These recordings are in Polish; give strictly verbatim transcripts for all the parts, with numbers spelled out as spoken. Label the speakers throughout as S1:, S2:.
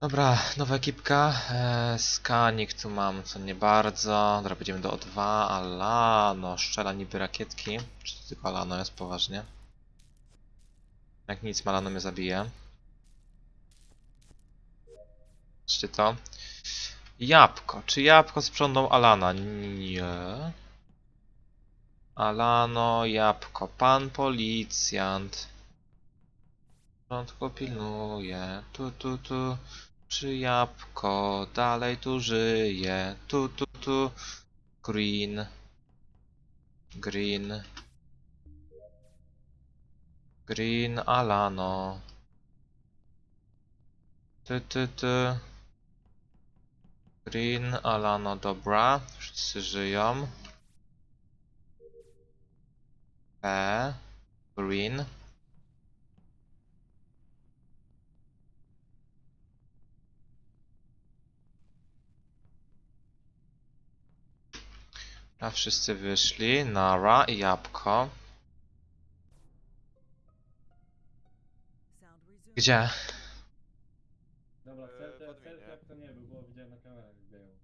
S1: Dobra, nowa ekipka. Eee, skanik tu mam, co nie bardzo. Dobra, będziemy do O dwa. Alano, strzela niby rakietki. Czy to tylko Alano jest poważnie? Jak nic, Alano mnie zabije. Czy to? Jabłko. Czy jabłko sprzątnął Alana? Nie. Alano, jabłko. Pan policjant. Porządku pilnuje. Tu, tu, tu. Czy jabłko dalej tu żyje? Tu, tu, tu. Green. Green. Green Alano. Ty, ty, ty. Green Alano, dobra. Wszyscy żyją. P. Green. A wszyscy wyszli. Nara i jabłko. Gdzie?
S2: Dobra,
S3: Eee,
S2: self,
S3: w
S2: self
S3: adminie.
S2: jak to nie był, bo widziałem na kamerach jak biegał.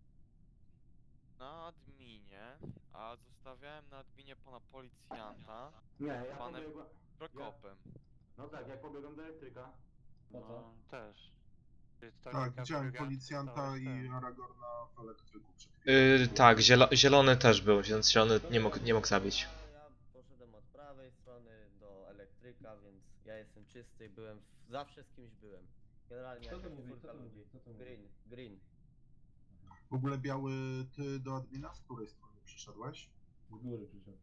S3: Na adminie, a zostawiałem na adminie pana policjanta
S4: Nie, ja
S3: panem
S4: pobiegłem.
S3: Prokopem.
S4: No tak, jak pobiegłem do elektryka.
S2: Po co?
S5: No, też. Jest ta
S6: Tak,
S5: linka
S6: widziałem
S5: druga,
S6: policjanta
S5: zostałeś
S6: i
S5: ten.
S6: Aragorna w elektryku przed chwilą.
S1: Yy, tak, zielo zielony też był, więc zielony nie mógł, nie mógł zabić.
S7: Ja, ja poszedłem od prawej strony do elektryka, więc ja jestem czysty, byłem w, zawsze z kimś byłem. Generalnie
S2: Kto to
S7: jakaś
S2: mówi?
S7: czwórka
S2: Kto to
S7: ludzi.
S2: mówi? Kto to mówi?
S7: Green, green.
S6: W ogóle Biały, ty do admina z której strony przyszedłeś?
S2: Z góry przyszedł.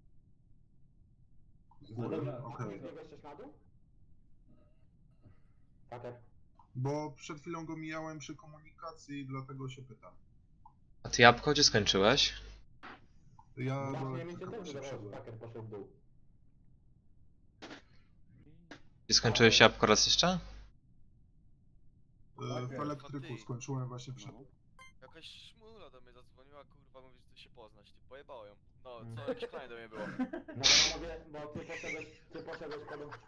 S6: Z
S2: No
S6: góry?
S2: dobra,
S6: Okej.
S4: Nie biegłeś też na dół? Tak, tak.
S6: Bo przed chwilą go mijałem przy komunikacji, dlatego się pytam.
S1: A ty jabłko gdzie skończyłeś?
S6: Ja do
S4: Właśnie mi się
S6: elektryka
S4: też
S6: właśnie
S4: wydawało, że
S6: wszedłem.
S4: Packer poszedł w dół.
S1: Gdzie skończyłeś jabłko raz jeszcze?
S6: E, W
S2: Tak,
S6: elektryku
S3: ty.
S6: skończyłem właśnie przed.
S3: Jakaś szmula do mnie zadzwoniła, kurwa, mówi, że chce się poznać. Ty pojebało ją. No,
S4: Mm.
S3: co, jakiś plan do mnie było.
S4: No bo ja mówię, bo ty poszedłeś, ty poszedłeś po dół.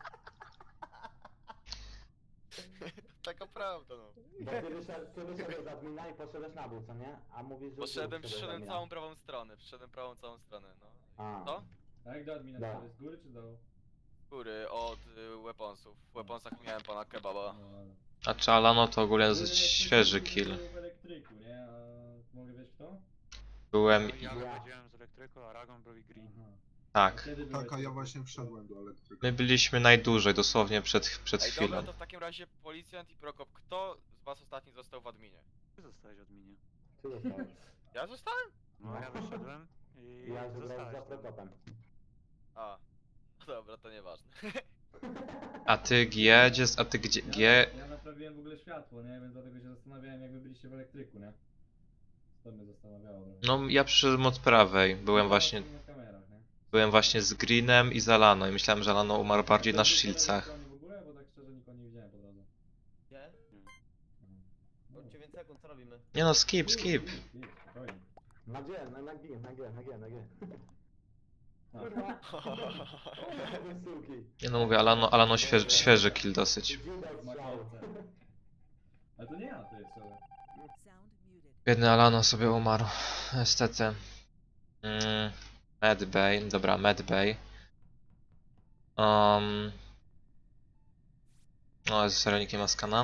S3: Taka prawda, no.
S4: Bo ty, wyszedł, ty wyszedłeś z admina i poszedłeś na dół, co nie? A mówisz, że w dół
S3: Poszedłem,
S4: wszedłeś z
S3: przyszedłem
S4: admina.
S3: całą prawą stronę, przyszedłem prawą całą stronę, no.
S4: A.
S3: Co?
S2: A jak do admina
S4: Da.
S2: szedłeś? Z góry czy do?
S3: Góry, od y, weaponsów. W weaponsach miałem pana kebaba.
S2: No, ale...
S1: A czy Alano to ogólnie
S2: Byłem
S1: dosyć
S2: jak
S1: świeży
S2: ktoś
S1: kill.
S2: był w elektryku, nie? A mogę wiedzieć kto?
S1: Byłem
S5: No,
S1: i...
S5: ja
S4: Ja.
S5: wychodziłem z elektryku, Aragon był i Green.
S2: Aha.
S1: Tak.
S2: Kiedy byłeś
S6: Tak, a
S2: w
S6: ja
S2: elektryku?
S6: właśnie wszedłem do elektryka.
S1: My byliśmy najdłużej, dosłownie przed, przed
S3: Ej,
S1: chwilą.
S3: dobra, to w takim razie policjant i Prokop, kto z was ostatni został w adminie?
S5: Ty zostałeś w adminie.
S4: Ty zostałeś.
S3: Ja zostałem?
S5: No, ja wyszedłem i
S4: Ja wygrałem
S5: zostałeś
S4: za
S5: tam.
S4: Prokopem.
S3: A. No dobra, to nieważne.
S1: A ty G, gdzie, a ty gdzie,
S2: Ja,
S1: G,
S2: ja naprawiłem w ogóle światło, nie? Więc dlatego się zastanawiałem jak wy byliście w elektryku, nie? To mnie zastanawiało trochę.
S1: no ja przyszedłem od prawej, byłem
S2: No,
S1: właśnie,
S2: na kamerach, nie?
S1: byłem właśnie z Greenem i z Alano i myślałem, że Alano umarł bardziej na
S2: Byłeś po lewej
S1: shieldsach.
S2: stronie w ogóle, bo tak szczerze nikogo nie widziałem po drodze.
S7: Gdzie?
S2: No.
S7: Od dziewięć sekund, co robimy?
S1: Nie no, skip, skip.
S2: Spokojnie.
S4: Na G, na, na G, na G, na G, na G.
S2: A.
S4: Kurwa. O, wy suki.
S1: Nie no mówię, Alano, Alano świeży, świeży kill dosyć.
S4: Widać
S2: Ma
S4: strzał.
S2: kolce. Ale to nie ja, to jest szczerze.
S1: Biedny Alano sobie umarł, niestety. Mm, Medbay, dobra, Medbay. Um, no, serio nikt nie ma skana.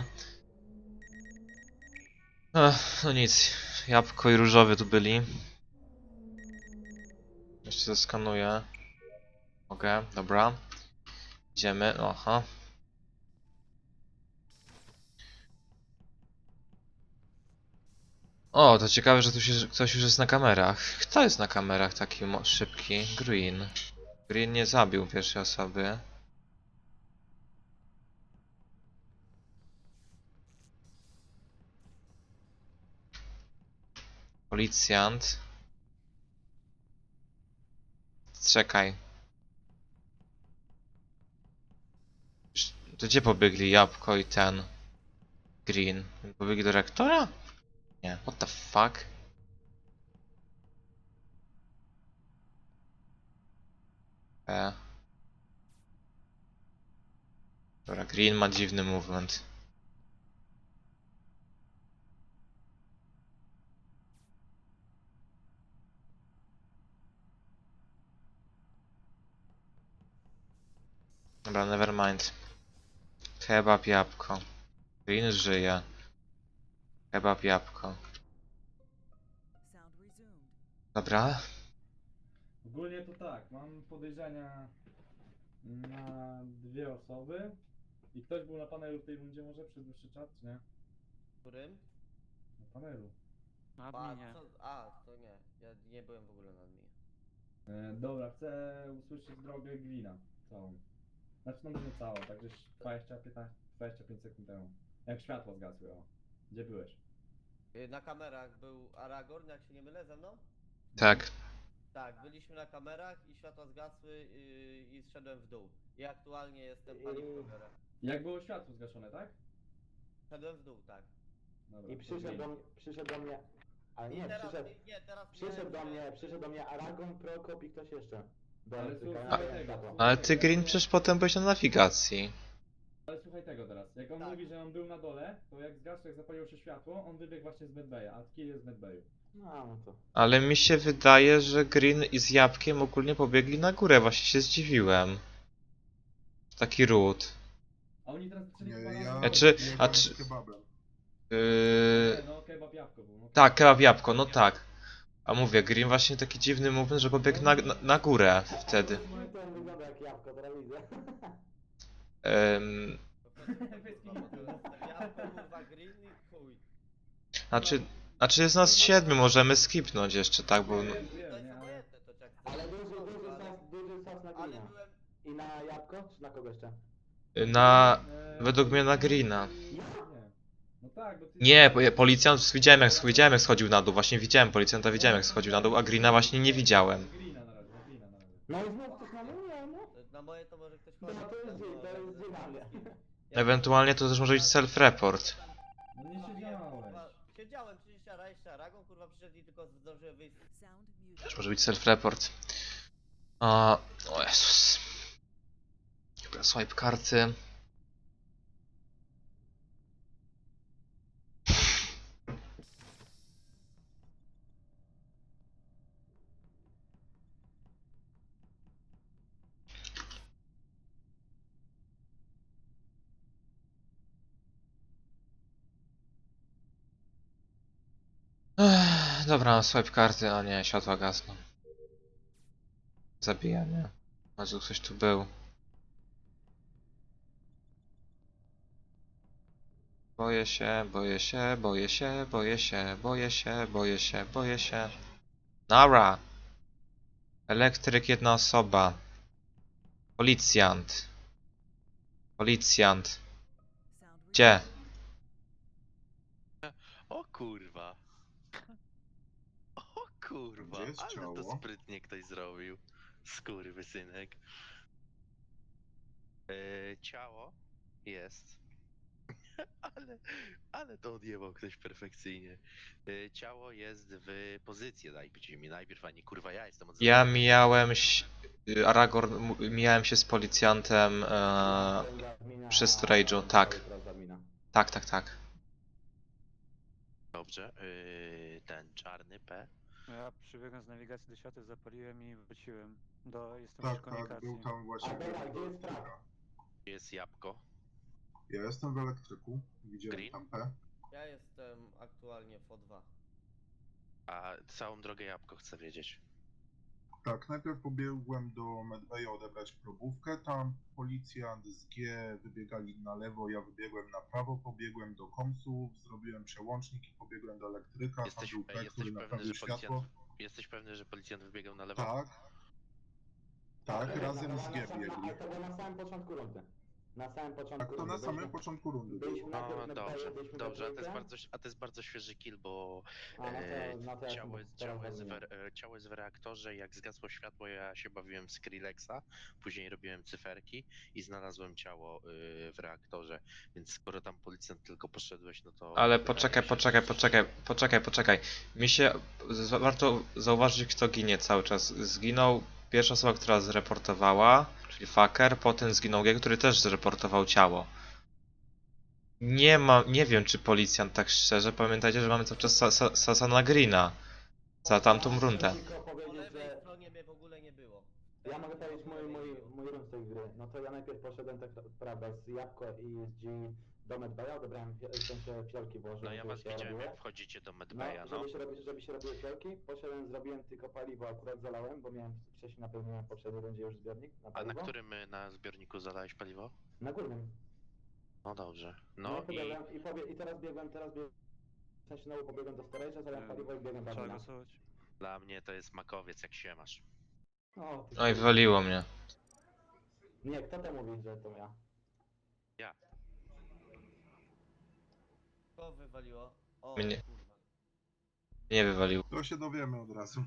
S1: Ech, no nic, jabłko i różowy tu byli. Jeszcze zeskanuję. Mogę, dobra. Idziemy, aha. O, to ciekawe, że tu się, że ktoś już jest na kamerach. Kto jest na kamerach taki mo- szybki? Green. Green nie zabił pierwszej osoby. Policjant. Czekaj. Sz- To gdzie pobiegli jabłko i ten? Green. Pobiegli do reaktora? Nie, what the fuck? E. Dobra, Green ma dziwny movement. Dobra, nevermind. Kebab jabłko. Green żyje. Kebab jabłko. Dobra.
S2: Ogólnie to tak, mam podejrzenia na dwie osoby. I ktoś był na panelu w tej rundzie może przez dłuższy czas, czy nie?
S7: Którym?
S2: Na panelu.
S5: Na
S7: A,
S5: adminie.
S7: co? A, to nie. Ja nie byłem w ogóle na adminie.
S2: E, dobra, chcę usłyszeć drogę Glina całą. Znaczy no może całą, tak gdzieś dwadzieścia, piętnaście, dwadzieścia pięć sekund temu. Jak światło zgasły, o. Gdzie byłeś?
S7: Y, Na kamerach był Aragorn, jak się nie mylę, ze mną?
S1: Tak.
S7: Tak, byliśmy na kamerach i światła zgasły yy, i zszedłem w dół. I aktualnie jestem paliwkowerem.
S2: Jak było światło zgaszone, tak?
S7: Szedłem w dół, tak.
S2: Dobra,
S4: I
S2: to
S4: przyszedł
S2: Glin.
S4: do, mnie- przyszedł do mnie... Ale
S7: I
S4: nie,
S7: teraz,
S4: przyszedł...
S7: i- nie, teraz
S4: Przyszedł do
S7: miałem,
S4: mnie,
S7: że-
S4: przyszedł do mnie Aragon, Prokop i ktoś jeszcze. Do
S2: Ale
S4: elektryka,
S2: słuchaj
S4: ja miałem
S2: tego,
S4: światło.
S1: Ale ty Green przecież potem byłeś na nawigacji.
S2: Ale słuchaj tego teraz. Jak on
S7: Tak.
S2: mówi, że on był na dole, to jak zgasł, jak zapaliło się światło, on wybiegł właśnie z medbaya, a kill jest z medbayu.
S4: No, no to...
S1: Ale mi się wydaje, że Green i z Jabłkiem ogólnie pobiegli na górę, właśnie się zdziwiłem. Taki ród.
S2: A oni teraz zaczęli
S6: Nie,
S2: chyba
S6: ja...
S2: razem-
S1: A czy-
S6: ja
S1: a
S6: byłem
S1: czy-
S6: z kebabem.
S1: Yy...
S2: Nie, no kebab jabłko był. No,
S1: Tak, kebab jabłko, no tak. A mówię, Green właśnie taki dziwny movement, że pobiegł na, na, na górę wtedy.
S4: No to on wygląda jak jabłko, teraz widzę.
S1: Ym...
S7: Po prostu, kurwa, bo to jest jabłko, kurwa, green i chuj.
S1: Znaczy, znaczy jest nas siedmiu, możemy skipnąć jeszcze, tak, bo...
S2: Wiem,
S7: To
S2: wiem,
S7: jest
S2: nie, ale...
S7: obojętne, to jak chcesz.
S4: Ale duży, duży
S7: Ale-
S4: sas, duży sas na
S7: Ale
S4: glina.
S7: byłem...
S4: I na jabłko, czy na kogo jeszcze?
S1: Na...
S2: Eee,
S1: według mnie na Greena.
S2: Nie. No tak, bo ty...
S1: Nie, po- policjant, widziałem jak, widziałem jak schodził na dół, właśnie widziałem policjanta, widziałem jak schodził na dół, a Greena właśnie nie widziałem.
S2: Greena na razie, Greena na razie.
S4: No i znów ktoś na mnie, no.
S7: Na moje to może ktoś
S4: No
S7: chodzić.
S4: to jest
S7: tam,
S4: dzień,
S7: no,
S4: to jest
S7: ale-
S4: dzień na mnie.
S7: Ja-
S1: Ewentualnie to też może być self-report.
S2: No nie siedziałeś.
S7: Kurwa, Siedziałem, przecież ja jeszcze Aragon, kurwa, przyszedł i tylko zdążyłem wyjść.
S1: Też może być self-report. A, o Jezus. Dobra, swipe karty. Ech, dobra, swipe karty, a nie, światła gasną. Zabijanie. Może ktoś tu był. Boję się, boję się, boję się, boję się, boję się, boję się, boję się. Nara! Elektryk, jedna osoba. Policjant. Policjant. Gdzie?
S8: O kurwa. O kurwa,
S6: Gdzie jest
S8: ale to
S6: ciało?
S8: sprytnie ktoś zrobił. Skurwysynek. Yy, ciało jest. ale, ale to odjebał ktoś perfekcyjnie. Yy, ciało jest w pozycji, dajcie mi najpierw, a nie kurwa ja jestem od
S1: Ja mijałem się... Aragorn, m- mijałem się z policjantem e, przy storage'u, tak. Tak, tak, tak.
S8: Dobrze, yy, ten czarny P.
S5: Ja przybiegłem z nawigacji do światła, zapaliłem i wróciłem. Do, jestem
S6: Tak,
S5: przy
S6: tak,
S5: komunikacji.
S6: był tam właśnie...
S4: A dobra, gdzie jest
S6: elektryka.
S4: prawo?
S8: Jest jabłko.
S6: Ja jestem w elektryku, widziałem
S8: Green?
S6: tam P.
S7: Ja jestem aktualnie w O dwa.
S8: A całą drogę jabłko chcę wiedzieć.
S6: Tak, najpierw pobiegłem do Medbaya odebrać probówkę, tam policjant z G wybiegali na lewo, ja wybiegłem na prawo, pobiegłem do komsów, zrobiłem przełącznik i pobiegłem do elektryka,
S8: Jesteś,
S6: tam był
S8: e,
S6: P,
S8: jesteś
S6: który
S8: pewny,
S6: naprawił
S8: że
S6: światło.
S8: policjant, jesteś pewny, że policjant wybiegał na lewo?
S6: Tak. Tak,
S4: Ale
S6: razem
S4: na-
S6: z
S4: na-
S6: G
S4: na sam-
S6: biegli.
S4: Ale to było na samym początku rundy. Na samym początku
S6: Tak, to
S4: rundy.
S6: na samym
S4: Byliśmy-
S6: początku rundy
S4: byliśmy
S6: było.
S4: najpierw
S8: No
S4: na
S8: dobrze,
S4: Medbayu, byliśmy
S8: dobrze, a to
S4: we
S8: jest
S4: trójkę.
S8: bardzo, a to jest bardzo świeży kill, bo
S4: A, no to-
S8: e,
S4: no to ja
S8: ciało,
S4: się
S8: jest,
S4: teraz
S8: ciało, jest w,
S4: rozumiem.
S8: re- e, ciało jest w reaktorze, jak zgasło światło ja się bawiłem w Skrillexa, później robiłem cyferki i znalazłem ciało y, w reaktorze, więc skoro tam policjant tylko poszedłeś, no to...
S1: Ale
S8: wydaje
S1: poczekaj,
S8: się,
S1: poczekaj,
S8: że-
S1: poczekaj, poczekaj, poczekaj. Mi się... z- warto zauważyć, kto ginie cały czas. Zginął pierwsza osoba, która zreportowała, czyli Fucker, potem zginął G, który też zreportował ciało. Nie ma... nie wiem, czy policjant, tak szczerze, pamiętajcie, że mamy cały czas sa, sa, Sasana Greena. Za tamtą rundę.
S4: Tylko
S7: Po
S4: powiedzieć,
S7: lewej
S4: że
S7: stronie mnie w ogóle nie było.
S4: ja mogę powiedzieć mój, mój, mój wyszedłem z tej gry, no to ja najpierw poszedłem tak prawda z Jabłko i z G do Medbaya, odebrałem fio- w sensie fiolki włożyłem,
S8: No ja
S4: żeby
S8: was
S4: się
S8: widziałem
S4: robiły.
S8: jak wchodzicie do
S4: No,
S8: Medbaya, no.
S4: żeby się, robi, żeby się robiły fiolki, poszedłem, zrobiłem tylko paliwo, akurat zalałem, bo miałem wcześniej napełniłem w poprzedniej rundzie już zbiornik na
S8: A na
S4: paliwo.
S8: którym y, na zbiorniku zalałeś paliwo?
S4: Na górnym.
S8: No dobrze.
S4: No,
S8: No
S4: i
S8: i
S4: pobiegłem i, pobie- i teraz biegłem, teraz biegłem, w sensie znowu pobiegłem do storage'a, zalałem
S5: Nie,
S4: paliwo i biegłem do
S5: Trzeba
S4: admina.
S5: głosować.
S8: dla mnie to jest makowiec, jak się masz.
S4: O, ty
S1: Oj,
S4: kurwa.
S1: wywaliło mnie.
S4: Nie, kto to mówi, że to ja?
S7: Kogo wywaliło? O,
S1: Mnie.
S7: kurwa.
S1: Nie wywaliło.
S6: To się dowiemy od razu.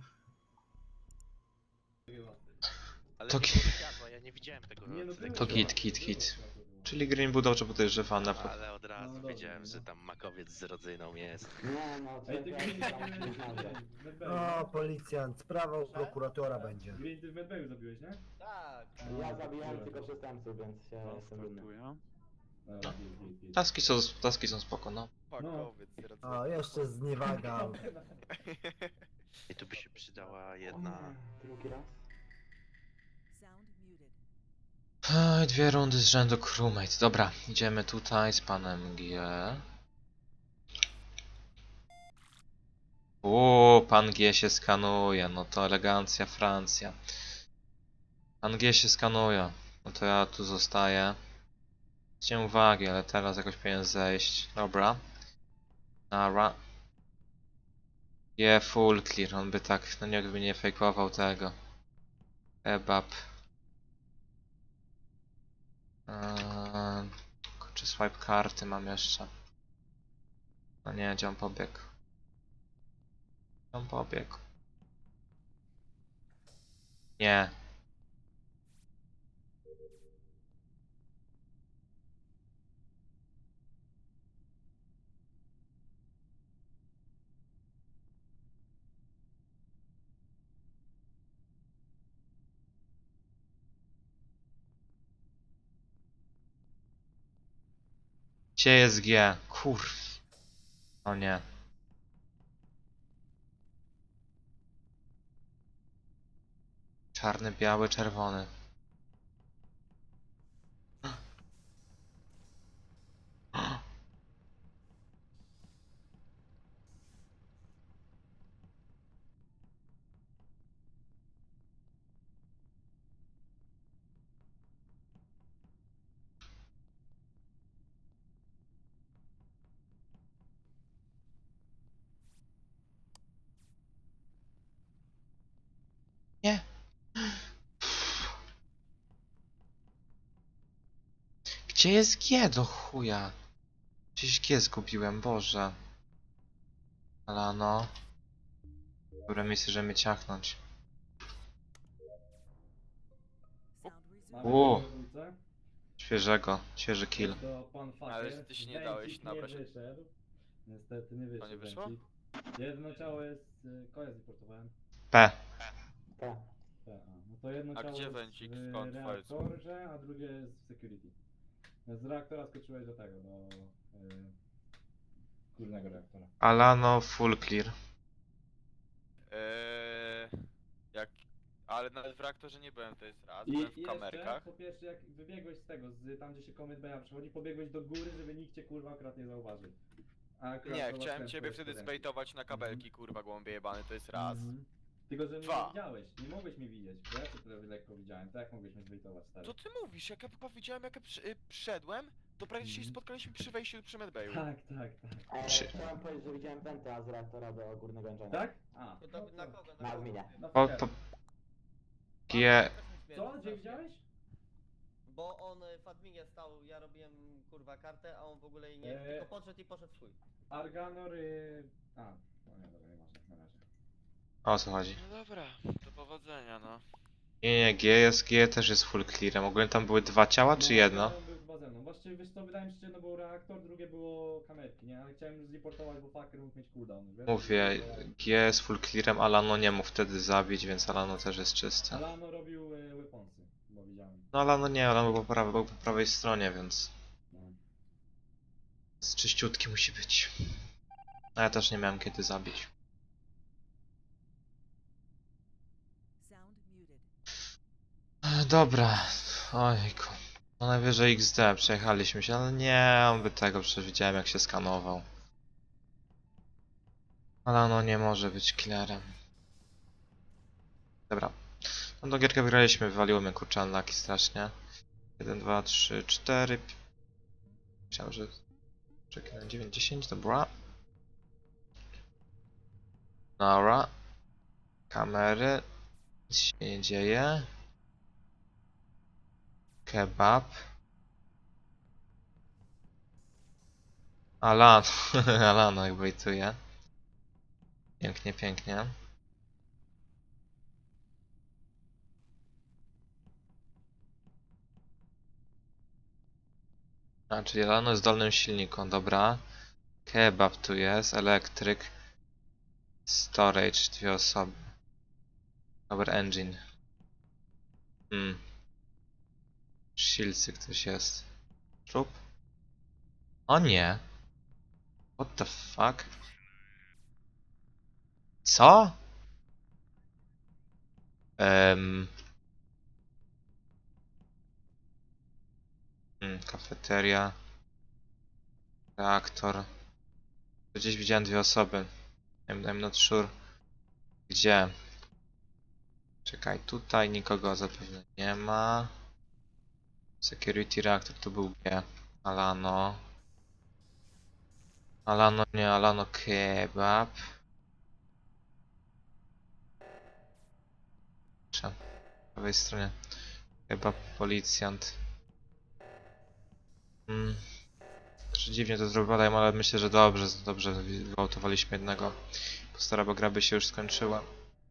S8: Ale
S1: To
S8: nie
S1: ki-
S8: było światła, ja nie widziałem tego.
S2: Nie no,
S8: tego
S2: było
S1: To
S2: światło,
S1: git, git,
S2: było
S1: git.
S2: światło, było.
S1: Czyli Green był dobrze podejrzewany. po-
S8: Ale od razu
S2: No dobrze,
S8: wiedziałem,
S2: no.
S8: że tam makowiec z rodzyną jest.
S4: Nie no,
S2: Ej, ty
S4: czekaj,
S2: Green,
S4: ja tam
S2: ty
S4: nie znajdę.
S2: w Medbayu,
S9: O,
S2: nie?
S9: policjant, sprawa u prokuratora będzie.
S2: Green, ty w Medbayu zabiłeś, nie?
S7: Tak.
S4: Ja zabijałem tylko przestępców, więc się
S5: No,
S4: jestem dumny.
S5: startuję.
S2: Dobra, git, git, git.
S1: Taski są, taski są spoko, no.
S3: Pakowiec, no.
S9: O, jeszcze zniewaga.
S8: I tu by się przydała jedna...
S4: Drugi raz?
S1: Ej, dwie rundy z rzędu crewmate. Dobra, idziemy tutaj z panem G. Uuu, pan G się skanuje. No to elegancja Francja. Pan G się skanuje. No to ja tu zostaję. Zwróćcie uwagi, ale teraz jakoś powinien zejść. Dobra. Nara. Je, full clear. On by tak, no nikt by nie fejkował tego. Kebab. Eee, czy swipe karty mam jeszcze? No nie, gdzie on pobiegł? Gdzie on pobiegł? Nie. Gdzie jest G? Kurw. O nie. Czarny, biały, czerwony. Nie. Gdzie jest G do chuja? Gdzieś G zgubiłem, Boże. Ale no. Dobre miejsce, żeby mnie ciachnąć.
S2: Mamy
S1: O.
S2: dowódcę.
S1: Świeżego, świeży kill.
S2: To pan Fakier.
S3: Ale że ty się nie dałeś
S2: Węcik
S3: nabrać.
S2: nie wyszedł. Niestety nie wyszedł.
S3: nie wyszło?
S2: Węcik. Jedno ciało jest... y, Koja zreportowałem.
S1: P.
S4: Tak.
S2: Tak, a, no to jedno
S3: A
S2: ciało
S3: gdzie
S2: jest
S3: Węcik?
S2: w
S3: Skąd twoje-
S2: reaktorze, a drugie jest w security. Z reaktora skoczyłeś do tego, do... Y, górnego reaktora.
S1: Alano full clear.
S3: Eee, jak... Ale nawet w reaktorze nie byłem, to jest raz.
S2: I
S3: Byłem w
S2: jeszcze,
S3: kamerkach.
S2: po pierwsze, jak wybiegłeś z tego, z tam gdzie się Comet Baya przychodzi, pobiegłeś do góry, żeby nikt cię kurwa akurat nie zauważył. A akurat
S3: Nie,
S2: zobaczyłem
S3: chciałem ciebie
S2: twoje
S3: wtedy
S2: spodenki.
S3: zbejtować na kabelki, kurwa, głąbie jebany, to jest raz.
S2: Mhm. Tylko, że mnie
S3: Dwa.
S2: nie widziałeś, nie mogłeś mnie widzieć, bo ja cię tyle lekko widziałem, tak jak mogłeś mnie zbejtować, stary.
S3: Co ty mówisz? Jak ja chyba widziałem, jak ja przy, y, przyszedłem, to prawie się
S2: Mhm.
S3: spotkaliśmy przy wejściu przy Medbayu.
S2: Tak, tak, tak.
S4: E,
S1: Czy-
S4: chciałem powiedzieć, że widziałem Penta z reaktora do górnego engina.
S2: Tak? A,
S7: To,
S2: no
S7: to, na
S2: to-
S7: kogo?
S4: Na
S7: kogo?
S4: adminie.
S2: no
S1: Po,
S2: fair.
S1: po, G.
S2: Co? Gdzie widziałeś?
S7: Bo on y, w adminie stał, ja robiłem kurwa kartę, a on w ogóle jej nie...
S2: Eee.
S7: Tylko podszedł i poszedł w swój.
S2: Arganor y... A, no nie, dobra, nie ważne, na razie.
S1: O co chodzi?
S3: No dobra, do powodzenia, no.
S1: Nie, nie, G jest, G też jest full clearem. Ogólnie tam były dwa ciała, czy
S2: No,
S1: jedno?
S2: Arganor był chyba ze mną. Właściwie wiesz co, wydaje mi się, że jedno było reaktor, drugie było kamerki, nie? Ale chciałem zreportować, bo fucker mógł mieć cooldown, wiesz?
S1: Mówię, G jest full clearem, Alano nie mógł wtedy zabić, więc Alano też jest czysty.
S2: Alano robił y, weaponsy, bo widziałem.
S1: No Alano nie, Alano był po, prawej, był po prawej stronie, więc
S2: No.
S1: z czyściutki musi być. A ja też nie miałem kiedy zabić. E, Dobra, Ojku. No najwyżej X D, przejechaliśmy się, ale nie, on by tego, przecież widziałem jak się skanował. Ale no nie może być killerem. Dobra. No do gierkę wygraliśmy, wywaliło mnie kurczę unlucky strasznie. jeden, dwa, trzy, cztery. Myślałem, że... Czekaj na dziewięć, dziesięć, dobra. Dobra. Kamery. Nic się nie dzieje. Kebab. Alano, Alano jak wejtuje. Pięknie, pięknie. A, czyli Alano jest w dolnym silniku, dobra. Kebab tu jest, elektryk. Storage, dwie osoby. Power engine. Hmm. Shieldsy ktoś jest. Trup? O nie. What the fuck? Co? Um. Hmm, kafeteria. Reaktor. Gdzieś widziałem dwie osoby. I'm, I'm not sure. Gdzie? Czekaj, tutaj nikogo zapewne nie ma. Security reactor to był G. Alano. Alano nie, Alano kebab. Przepraszam. Po prawej stronie. Kebab policjant. Hmm. Trochę dziwnie to zrobiłem, ale myślę, że dobrze, dobrze wyautowaliśmy jednego. Postara, bo gra by się już skończyła.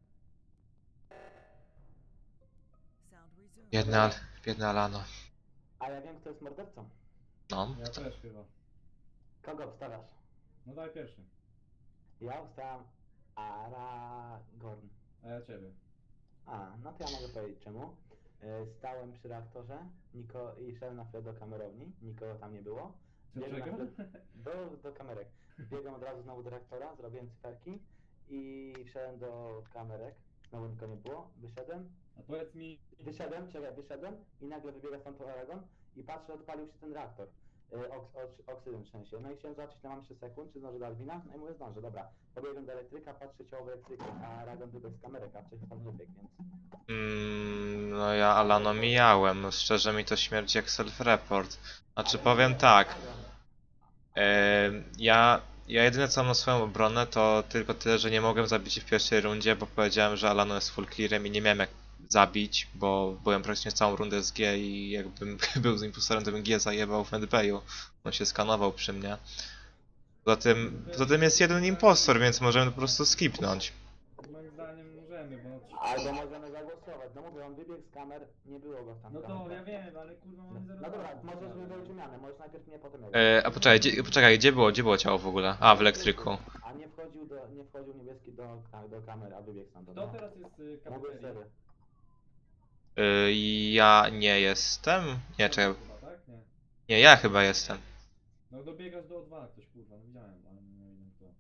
S1: Biedne, Al biedne Alano.
S4: A ja wiem, kto jest mordercą.
S1: No.
S2: Ja też chyba.
S4: Kogo obstawiasz?
S2: No daj pierwszy.
S4: Ja obstawiam Aragorn.
S2: A ja ciebie.
S4: A, no to ja mogę powiedzieć czemu. E, Stałem przy reaktorze Niko i szedłem na chwilę do kamerowni, nikogo tam nie było.
S2: Co,
S4: Biegłem na
S2: czego?
S4: chwilę do, do kamerek. Biegłem od razu znowu do reaktora, zrobiłem cyferki i wszedłem do kamerek. Znowu nikogo nie było, wyszedłem.
S2: A powiedz mi...
S4: Wyszedłem, czekaj, wyszedłem i nagle wybiega stąd Aragon i patrzę, odpalił się ten reaktor. Yy, oks oks oksydem w sensie. No i chciałem zobaczyć, ile mam jeszcze sekund, czy zdążę do Alwina. No i mówię, zdążę, dobra. Pobiegłem do elektryka, patrzę ciało w elektryku, a Aragon wybiegł z kamerek, a wcześniej tam wybiegł, więc...
S1: Mm, no ja Alano mijałem, no szczerze mi to śmierdzi jak self-report. Znaczy
S4: Ale
S1: powiem
S4: nie,
S1: tak,
S4: Aragon.
S1: em, ja, ja jedyne co mam na swoją obronę to tylko tyle, że nie mogłem zabić w pierwszej rundzie, bo powiedziałem, że Alano jest full clearem i nie miałem jak zabić, bo byłem praktycznie całą rundę z G i jakbym był z impostorem, to bym G zajebał w medbayu. On się skanował przy mnie. Poza tym, poza tym jest jeden impostor, więc możemy po prostu skipnąć.
S2: Moim zdaniem możemy, bo...
S4: Albo możemy zagłosować. No mówię, on wybiegł z kamer, nie było go tam.
S2: No
S4: w
S2: to
S4: kamerach.
S2: ja wiem, ale kurwa mamy zero...
S4: No dobra, możesz wybrać wymianę, możesz najpierw mnie, potem ja.
S1: E, a poczekaj, gdzie, poczekaj, gdzie było, gdzie było ciało w ogóle? A, w elektryku.
S4: A nie wchodził do, nie wchodził niebieski do, do kamer, a wybiegł stąd.
S2: Kto teraz jest y,
S4: Mówię
S2: kafeterii?
S4: serio.
S1: Y, ja nie jestem. Nie, czekaj.
S2: Chyba, tak? Nie.
S1: Nie, ja chyba jestem.
S2: No dobiegasz do O dwa ktoś, kurwa, no widziałem, ale nie wiem kto.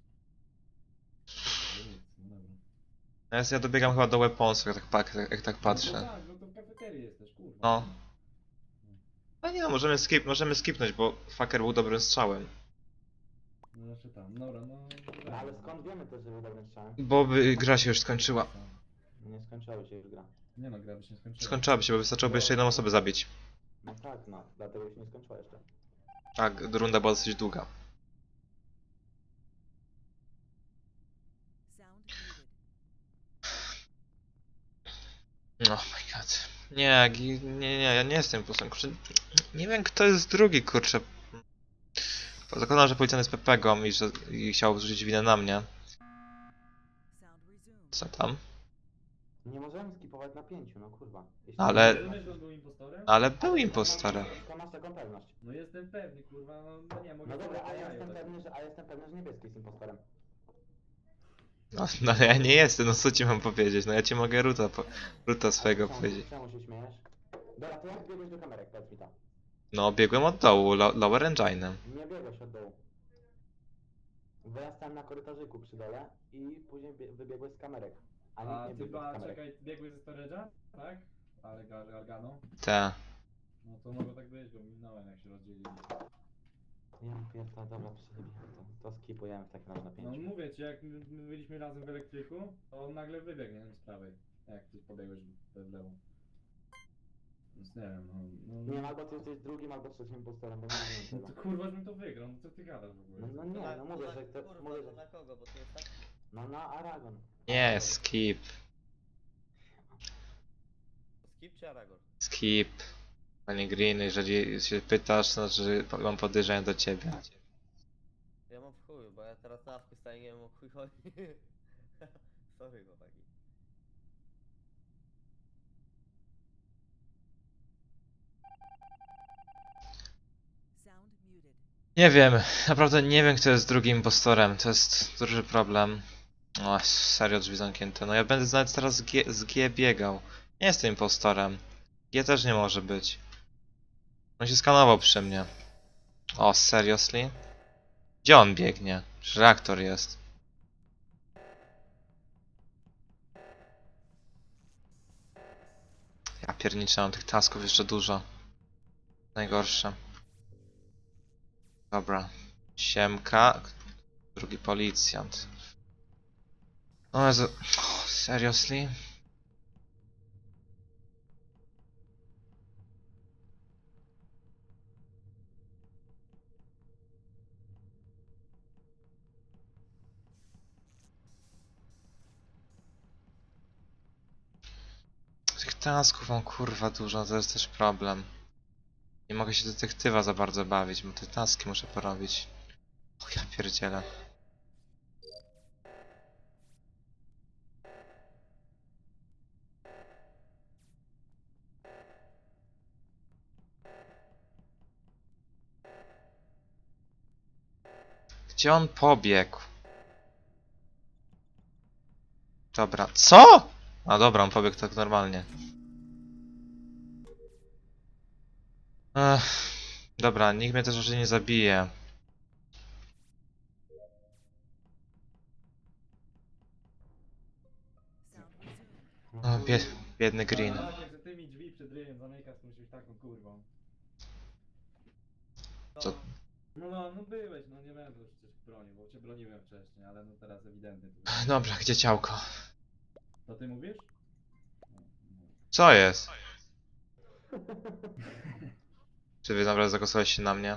S2: No nic, no dobra.
S1: Ja, ja dobiegam chyba do weaponsów, jak tak, pak- jak, jak tak
S2: No
S1: patrzę.
S2: tak, no to w kafeterii jesteś, kurwa.
S1: No. No nie no, możemy, skip, możemy skipnąć, bo fucker był dobrym strzałem.
S2: No znaczy tam, dobra, no...
S4: No ale skąd wiemy też, że był dobrym strzałem?
S1: Bo by, gra się już skończyła.
S4: Nie skończyła się już gra.
S2: Nie no, gra by się nie skończyła.
S1: Skończyłaby się, bo wystarczyłoby jeszcze jedną osobę zabić.
S4: No tak, no, dlatego się nie skończyła jeszcze.
S1: Tak, runda była dosyć długa. Oh my god. Nie, gi- nie, nie, ja nie jestem posłem, kurczę. Nie wiem kto jest drugi, kurczę. Zakładam, że policjant jest Pepegą i że i chciał zrzucić winę na mnie. Co tam?
S4: Nie możemy skipować na pięciu, no kurwa. Jeśli
S1: Ale-
S2: Rozumiesz, że on był impostorem?
S1: Ale był impostorem.
S4: To masz taką pewność.
S2: No jestem pewny, kurwa, no, no nie, mogę...
S4: No dobra, a
S2: sobie
S4: ja
S2: jajo
S4: jestem
S2: dać.
S4: pewny, że, a jestem pewny, że niebieski jest impostorem.
S1: No, no ale ja nie jestem, no co ci mam powiedzieć? No ja ci mogę ruta, po, ruta swojego
S4: czemu,
S1: powiedzieć.
S4: Czemu się śmiejesz? Dobra, to jak biegłeś do kamerek, powiedz mi to.
S1: No biegłem od dołu, lo, lower engine'em.
S4: Nie biegłeś od dołu. Bo ja stałem na korytarzyku przy dole i później bie- wybiegłeś z kamerek. A
S2: A
S4: nikt nie
S2: ty
S4: biegł z
S2: ba,
S4: kamerek.
S2: czekaj, biegłeś ze storage'a? Tak? Ale Gar Gargano?
S1: Te.
S2: No to mogło tak być, bo minąłem jak się rozdzielili.
S4: Ja pierdolę, dobra, przejebie to. To skipujemy w takim razie na
S2: No
S4: pięciu.
S2: mówię ci, jak my my byliśmy razem w elektryku, to on nagle wybiegł, nie wiem, z prawej. Jak ty pobiegłeś w w lewo. Więc nie wiem, no... no
S4: Nie wiem, albo ty jesteś drugim, albo trzecim impostorem, bo nie rozumiem
S2: no
S4: tego.
S2: to kurwa, żebym to wygrał, no co ty gadasz w ogóle?
S4: No, no
S7: To
S4: nie,
S7: na-
S4: no
S7: to
S4: mówię,
S7: na,
S4: że to,
S7: kurwa,
S4: mówię,
S7: to
S4: że...
S7: na kogo, bo to jest tak...
S4: No na Aragon.
S1: Nie,
S4: Aragon.
S1: skip.
S7: Skip czy Aragorn?
S1: Skip. Panie Green, jeżeli się pytasz, to znaczy mam podejrzenia do ciebie.
S7: Ja mam w chuju, bo ja teraz na awku staję, nie wiem o chuj chodzi. Sorry chłopaki.
S1: Nie wiem, naprawdę nie wiem kto jest drugim impostorem, to jest duży problem. O, serio drzwi zamknięte, no ja będę nawet teraz z G, z G biegał. Nie jestem impostorem. G też nie może być. On się skanował przy mnie. O, seriously? Gdzie on biegnie? Przecież reaktor jest. Ja pierniczę, mam tych tasków jeszcze dużo. Najgorsze. Dobra. Siemka. Drugi policjant. O Jezu. Oh, seriously? Tych tasków mam kurwa dużo, to jest też problem. Nie mogę się detektywa za bardzo bawić, bo te taski muszę porobić. O ja pierdzielę. Gdzie on pobiegł? Dobra, co? A dobra, on pobiegł tak normalnie. Ech, dobra, nikt mnie też może nie zabije. O, bie biedny Green.
S2: Tak, jak za tymi drzwi przed ryjem zamykasz, to musi być taką kurwą.
S1: Co?
S2: No, no, no byłeś, no nie będę już przecież bronił, bo cię broniłem wcześniej, ale no teraz ewidentnie. To,
S1: Dobra, gdzie ciałko?
S2: to ty mówisz? No, no.
S1: Co jest? Czy wy naprawdę zagłosowaliście na mnie?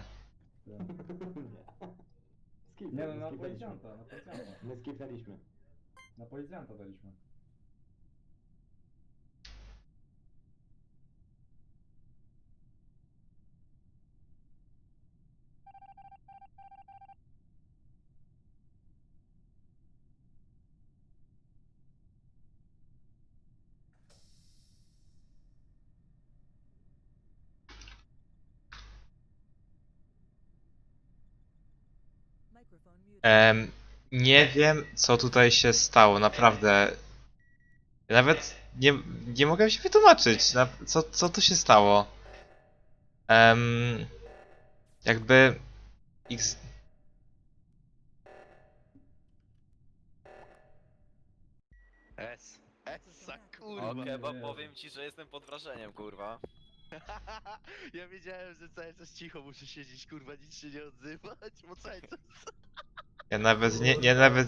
S4: Skip,
S2: Nie no, na
S4: skipnęliśmy.
S2: policjanta, na policjanta.
S4: My skipnęliśmy.
S2: Na policjanta daliśmy.
S1: Em, nie wiem, co tutaj się stało, naprawdę. Ja nawet nie, nie mogę się wytłumaczyć, na, co, co tu się stało. Em, jakby... X...
S8: S. Essa, kurwa.
S3: Okej, bo powiem ci, że jestem pod wrażeniem, kurwa.
S8: Ja wiedziałem, że cały czas cicho muszę siedzieć, kurwa, nic się nie odzywać, bo cały czas...
S1: Ja nawet nie, nie nawet